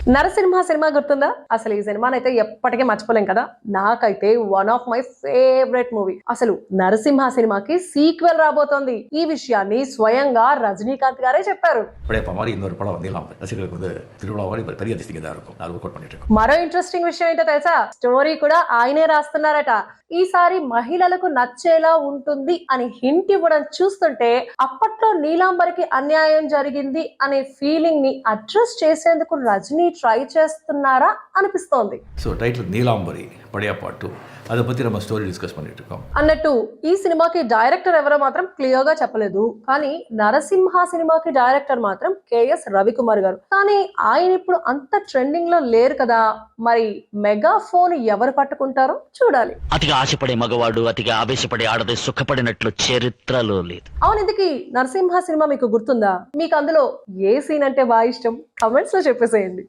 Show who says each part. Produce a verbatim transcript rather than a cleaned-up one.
Speaker 1: Narasimha cinema గుర్తుందా? అసలు ఈ సినిమానైతే ఎప్పటికీ మర్చిపోలేం కదా. నాకైతే one of my favourite movie. అసలు నరసింహ సినిమాకి సీక్వెల్ రాబోతోంది. ఈ విషయాన్ని స్వయంగా రజనీకాంత్ గారే చెప్పారు.
Speaker 2: படையப்பா மாதிரி இன்னொரு படம் வந்து ரசிகர்களுக்கு வந்து திருவிழா மாதிரி பெரிய அதிசயம் தான் இருக்கும். நான் వర్కౌట్ பண்ணிட்டு இருக்கோம்.
Speaker 1: మరో ఇంట్రెస్టింగ్ విషయం ఏంటో తెలుసా? స్టోరీ కూడా ఆయనే రాస్తున్నారట. ఈసారి మహిళలకు నచ్చేలా ఉంటుంది అని హింట్ ఇవ్వడం చూస్తుంటే అప్పట్లో నీలాంబరికి అన్యాయం జరిగింది అనే ఫీలింగ్ ని అడ్రస్ చేసేందుకు రజనీ ట్రై చేస్తున్నారా అనిపిస్తోంది.
Speaker 2: So title Neelambari Padayappa two, அதை பத்தி நம்ம స్టోరీ డిస్కస్ பண்ணிட்டு இருக்கோம்.
Speaker 1: అన్నట్టు ఈ సినిమాకి డైరెక్టర్ ఎవరో మాత్రం క్లియర్ గా చెప్పలేదు. కానీ నరసింహ సినిమాకి డైరెక్టర్ మాత్రం కేఎస్ రవికుమార్ గారు. కానీ ఆయన ఇప్పుడు అంత ట్రెండింగ్ లో లేరు కదా. మరి మెగా ఫోన్ ఎవరు పట్టుకుంటారో చూడాలి.
Speaker 3: అతిగా ఆశపడే మగవాడు అతిగా ఆవేశపడే ఆడది సుఖపడినట్లు చరిత్రలో లేదు.
Speaker 1: అవును, ఇందుకి నరసింహ సినిమా మీకు గుర్తుందా? మీకు అందులో ఏ సీన్ అంటే బాగా ఇష్టం? కమెంట్స్ లో చెప్పేసేయండి.